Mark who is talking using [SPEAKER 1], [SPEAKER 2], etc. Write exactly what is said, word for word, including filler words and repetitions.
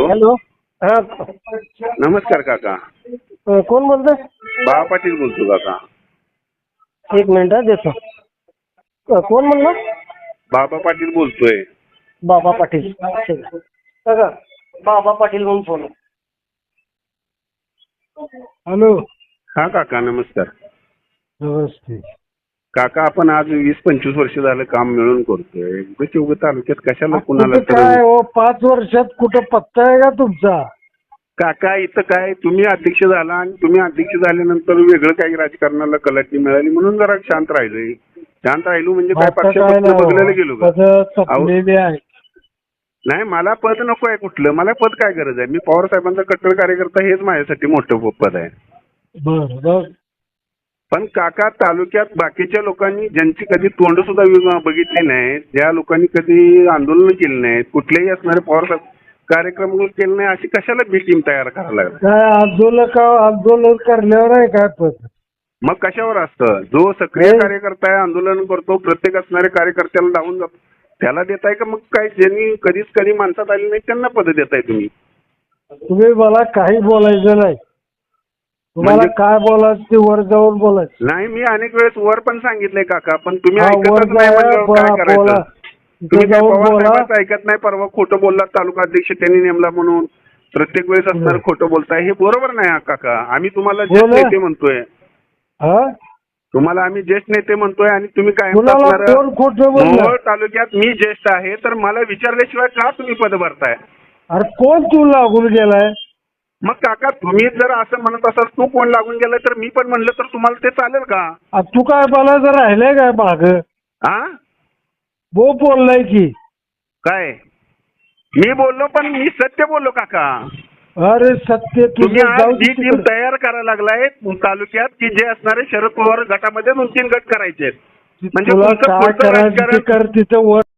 [SPEAKER 1] Hello. हा
[SPEAKER 2] नमस्कार काका.
[SPEAKER 1] अ, कोण बोलतोय?
[SPEAKER 2] बाळा पाटील बोलतो काका.
[SPEAKER 1] एक मिनिट हा देतो. अ, कोण म्हणलं?
[SPEAKER 2] बाबा पाटील बोलतोय.
[SPEAKER 1] बाबा पाटील. ठीक आहे. बघा बाबा पाटील म्हणून फोन. हॅलो.
[SPEAKER 2] हा काका नमस्कार.
[SPEAKER 1] नमस्ते.
[SPEAKER 2] काका आपण आज वीस पंचवीस वर्ष झालं काम मिळून करतोय. उगाच उगाच तालुक्यात कशाला कुणाला
[SPEAKER 1] कुठं
[SPEAKER 2] तर
[SPEAKER 1] काय हो, पाच वर्षात कुठं पत्ता आहे का तुमचा?
[SPEAKER 2] काका इथं काय तुम्ही अध्यक्ष झाला आणि तुम्ही अध्यक्ष झाल्यानंतर वेगळं काही राजकारणाला कलाटणी मिळाली म्हणून जरा शांत राहिलोय. शांत राहिलो म्हणजे काय
[SPEAKER 1] आता काय
[SPEAKER 2] पक्षापक्ष
[SPEAKER 1] नाही
[SPEAKER 2] बघलेलं
[SPEAKER 1] हो,
[SPEAKER 2] गेलो का?
[SPEAKER 1] पदं तपलेली आहे.
[SPEAKER 2] नाही मला पद नको आहे कुठलं. मला पद काय गरज आहे? मी पवार साहेबांचा कट्टर कार्यकर्ता हेच माझ्यासाठी मोठं पद आहे.
[SPEAKER 1] बरं बरं.
[SPEAKER 2] पण काका तालुक्यात बाकीच्या लोकांनी ज्यांची कधी तोंड सुद्धा बघितली नाही, ज्या लोकांनी कधी आंदोलन केली नाहीत, कुठलेही असणारे पवार साहेब कार्यक्रम केले नाही, अशी कशाला बी टीम तयार करायला लागला?
[SPEAKER 1] काय आंदोलन आंदोलन करण्यावर आहे काय पद?
[SPEAKER 2] मग कशावर असतं? जो सक्रिय कार्यकर्ता आहे, आंदोलन करतो, प्रत्येक असणाऱ्या कार्यकर्त्याला धावून जातो, त्याला देताय का? मग काय ज्यांनी कधीच कधी माणसात आली नाही त्यांना पद देताय तुम्ही?
[SPEAKER 1] तुम्ही मला काही बोलायचं नाही. तुम्हाला
[SPEAKER 2] म्हणजे-
[SPEAKER 1] काय बोलायचं ते वर जाऊन बोलायचं.
[SPEAKER 2] नाही मी अनेक वेळेस वर पण सांगितलंय काका, पण तुम्ही
[SPEAKER 1] हा,
[SPEAKER 2] ऐकतच
[SPEAKER 1] वर
[SPEAKER 2] नाही
[SPEAKER 1] जा,
[SPEAKER 2] म्हणल्यावर काय
[SPEAKER 1] बोला,
[SPEAKER 2] करायचं?
[SPEAKER 1] बोला.
[SPEAKER 2] तुम्ही
[SPEAKER 1] तिथे
[SPEAKER 2] काय
[SPEAKER 1] जाऊन
[SPEAKER 2] पवार
[SPEAKER 1] बोला.
[SPEAKER 2] साहेबांचं ऐकत नाही? परवा खोटं बोलला, तालुका अध्यक्ष त्यांनी नेमला म्हणून प्रत्येक वेळेस असणार खोटं बोलताय, हे बरोबर नाही हा काका. आम्ही तुम्हाला ज्येष्ठ
[SPEAKER 1] बोला.
[SPEAKER 2] नेते म्हणतोय,
[SPEAKER 1] हा?
[SPEAKER 2] तुम्हाला आम्ही ज्येष्ठ नेते म्हणतोय आणि तुम्ही काय
[SPEAKER 1] कुणाला कोण खोटं बोललं?
[SPEAKER 2] मोहोळ तालुक्यात मी ज्येष्ठ आहे तर मला विचारल्याशिवाय का तुम्ही पद भरताय?
[SPEAKER 1] अरे कोण तू लागून गेलाय?
[SPEAKER 2] मग काका तुम्ही जर असं म्हणत असाल तू कोण लागून गेलाय तर मी पण म्हणलं तर तुम्हाला ते चालेल का?
[SPEAKER 1] आ, तू काय बोलायचं राहिलंय काय माग?
[SPEAKER 2] हा
[SPEAKER 1] बो बोललाय की.
[SPEAKER 2] काय मी बोललो पण मी सत्य बोललो काका.
[SPEAKER 1] अरे सत्य
[SPEAKER 2] तुम्ही
[SPEAKER 1] तुझं
[SPEAKER 2] आज
[SPEAKER 1] जाऊ
[SPEAKER 2] जी
[SPEAKER 1] दे
[SPEAKER 2] टीम
[SPEAKER 1] तिकडे.
[SPEAKER 2] तयार करायला लागलाय तालुक्यात की जे असणारे शरद पवार गटामध्ये दोन तीन गट करायचे आहेत. म्हणजे
[SPEAKER 1] तुला
[SPEAKER 2] तुमचं
[SPEAKER 1] काय
[SPEAKER 2] पुढचं
[SPEAKER 1] करायचं ते
[SPEAKER 2] राजकारण
[SPEAKER 1] कर तिथं वर